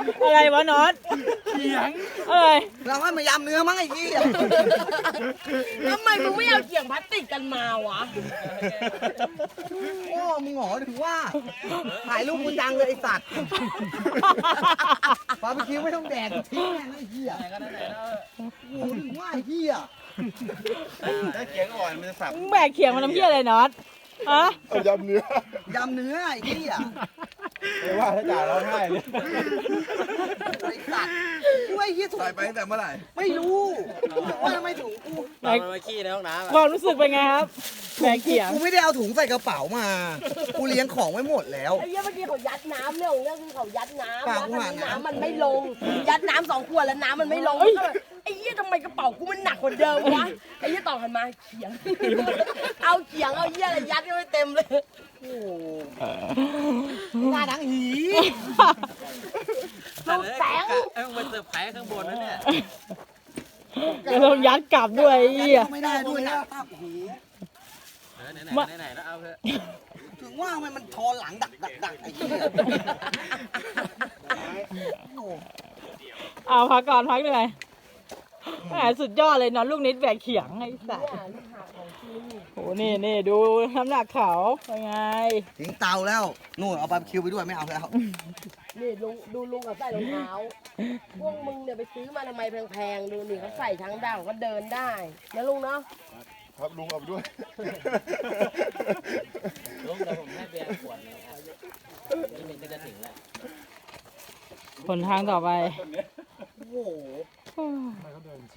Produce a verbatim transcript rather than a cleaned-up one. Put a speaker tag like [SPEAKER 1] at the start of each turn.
[SPEAKER 1] อะไรวะน็อต
[SPEAKER 2] เขียง
[SPEAKER 1] อะไร
[SPEAKER 3] เราให้มายำเนื้อมั้งไอ้ยี่
[SPEAKER 4] ทำไมมึงไม่เอาเขียงพลาสติกกันมาวะ
[SPEAKER 3] โอ้มึงหงอถึงว่าถ่ายรูปกูจังเลยไอ้สัตว์บาร์บีคิวไม่ต้องแดกทิ้งแม่งไอ้เหี้ยโอ้โหถึงว่าไอ้เหี้ย
[SPEAKER 2] ถ้าเขียงอ่อนมันจะสับ
[SPEAKER 1] มึงแบกเขียงมาทำเพี้ยอะไรน็อตฮะ
[SPEAKER 2] เอายำเนื้อย
[SPEAKER 3] ำเนื้อไอ้เหี้ย
[SPEAKER 2] ไม่ว่าถ้าจ่าร้องไห้เลย
[SPEAKER 3] ไอ้สัตว์กูไอ้เหี้ยถูก
[SPEAKER 2] ใส่ไปตั้งแต่เมื่อไหร่
[SPEAKER 3] ไม่รู้ว่าทำไมถุงกู
[SPEAKER 1] แบกความรู้สึกเป็นไงครับแบกเขียง
[SPEAKER 3] กูไม่ได้เอาถุงใส่กระเป๋ามากูเลี้ยงของไว้หมดแล้ว
[SPEAKER 4] ไอ้เหี้ยเมื่อกี้เขายัดน้ำเรื่องของเรื่องคือเขายัดน้ำ
[SPEAKER 3] เปล่า
[SPEAKER 4] แล้ว
[SPEAKER 3] กูหาน้ำ
[SPEAKER 4] น้ำมันไม่ลง ยัดน้ำสองขวดแล้วน้ำมันไม่ลงก็เลยไอ้เหี้ยทำไมกระเป๋ากูมันหนักกว่าเดิมวะไอ้เหี้ยต่อหันมาเขียง เอาเขียงเอาเหี้ยอะไรยัดก็ไม่เต็มเลย
[SPEAKER 3] โอ้โหหน้าดังหี
[SPEAKER 4] ลูกแสง
[SPEAKER 5] เอ้ยมันเซอร์ไพรส์ข้างบนนะเนี่ย
[SPEAKER 1] จะต้องยัดกลับด้วยไอ้เหี้ย
[SPEAKER 3] ไม่ได้ด้วยนะโอ้โห
[SPEAKER 5] เออไหนไหน
[SPEAKER 1] มา
[SPEAKER 5] ไหนๆแล้วเอาเถอะ
[SPEAKER 3] ถึงว่าทำไมมันทอหลังดักดักดักไอ้เหี้ยโอ้โห
[SPEAKER 1] เอาพักก่อนพักเหนื่อยแหมสุดยอดเลยน็อตลูกนิดแบกเขียงไอ้สัส
[SPEAKER 4] เนี่ยลูกหาของจริง
[SPEAKER 1] โหนี่นี่ดูน้ำหนักเขาเป็นไง
[SPEAKER 3] ทิ้งเตาแล้วนู่นเอาบาร์บีคิวไปด้วยไม่เอาแล้ว
[SPEAKER 4] นี่ลุงดูลุงกับใส่รองเท้า พวกมึงเนี่ยไปซื้อมาทำไมแพงๆ ดูนี่เขาใส่ทั้งดาวก็เดินได้นะลุงเนาะ
[SPEAKER 2] ครับลุงเอาไปด้วย
[SPEAKER 5] ลุงเดี๋ยวผมให้เบียร์ขวดหนึงอ่ะนี่มันก็จะถึงแล้ว
[SPEAKER 1] ผลทางต่อไป
[SPEAKER 3] โอ้โห